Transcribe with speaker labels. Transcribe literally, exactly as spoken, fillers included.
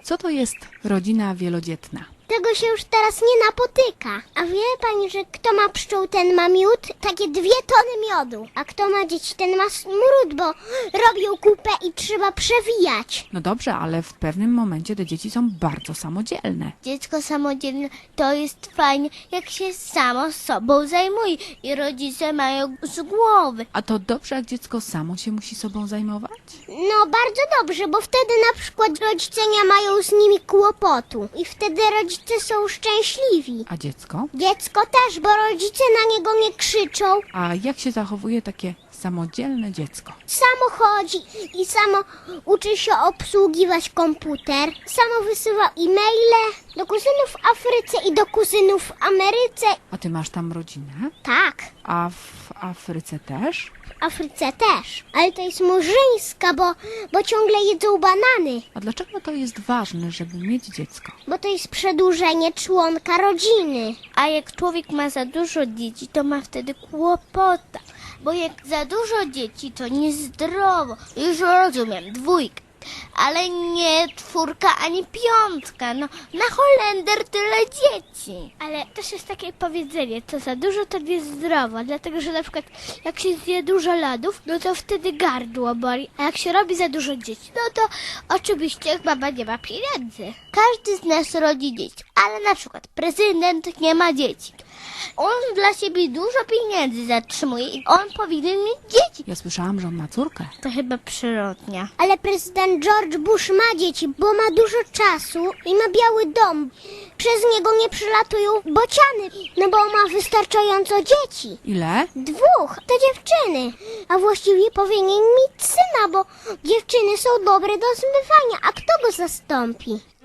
Speaker 1: Co to jest rodzina wielodzietna?
Speaker 2: Tego się już teraz nie napotyka. A wie pani, że kto ma pszczół, ten ma miód? Takie dwie tony miodu. A kto ma dzieci, ten ma smród, bo robią kupę i trzeba przewijać.
Speaker 1: No dobrze, ale w pewnym momencie te dzieci są bardzo samodzielne.
Speaker 3: Dziecko samodzielne to jest fajnie, jak się samo sobą zajmuje i rodzice mają z głowy.
Speaker 1: A to dobrze, jak dziecko samo się musi sobą zajmować?
Speaker 2: No bardzo dobrze, bo wtedy na przykład rodzice nie mają z nimi kłopotu. I wtedy rodzice są szczęśliwi.
Speaker 1: A dziecko?
Speaker 2: Dziecko też, bo rodzice na niego nie krzyczą.
Speaker 1: A jak się zachowuje takie samodzielne dziecko?
Speaker 2: Samo chodzi i samo uczy się obsługiwać komputer. Samo wysyła e-maile do kuzynów w Afryce i do kuzynów w Ameryce.
Speaker 1: A ty masz tam rodzinę?
Speaker 2: Tak,
Speaker 1: A w Afryce też?
Speaker 2: w Afryce też. Ale to jest murzyńska, bo, bo ciągle jedzą banany.
Speaker 1: A dlaczego to jest ważne, żeby mieć dziecko?
Speaker 2: Bo to jest przedłużenie członka rodziny.
Speaker 3: A jak człowiek ma za dużo dzieci, to ma wtedy kłopota. Bo jak za dużo dzieci, to niezdrowo. Już rozumiem, dwójka. Ale nie czwórka ani piątka. No, na Holender tyle dzieci.
Speaker 4: Ale też jest takie powiedzenie, co za dużo to niezdrowo, dlatego że na przykład jak się zje dużo lodów, no to wtedy gardło boli, a jak się robi za dużo dzieci, no to oczywiście mama nie ma pieniędzy.
Speaker 3: Każdy z nas rodzi dzieci, ale na przykład prezydent nie ma dzieci. On dla siebie dużo pieniędzy zatrzymuje i on powinien mieć dzieci.
Speaker 1: Ja słyszałam, że on ma córkę.
Speaker 3: To chyba przyrodnia.
Speaker 2: Ale prezydent George Bush ma dzieci, bo ma dużo czasu i ma biały dom. Przez niego nie przylatują bociany, no bo ma wystarczająco dzieci.
Speaker 1: Ile?
Speaker 2: Dwóch, to dziewczyny. A właściwie powinien mieć syna, bo dziewczyny są dobre do zmywania. A kto go zastąpi?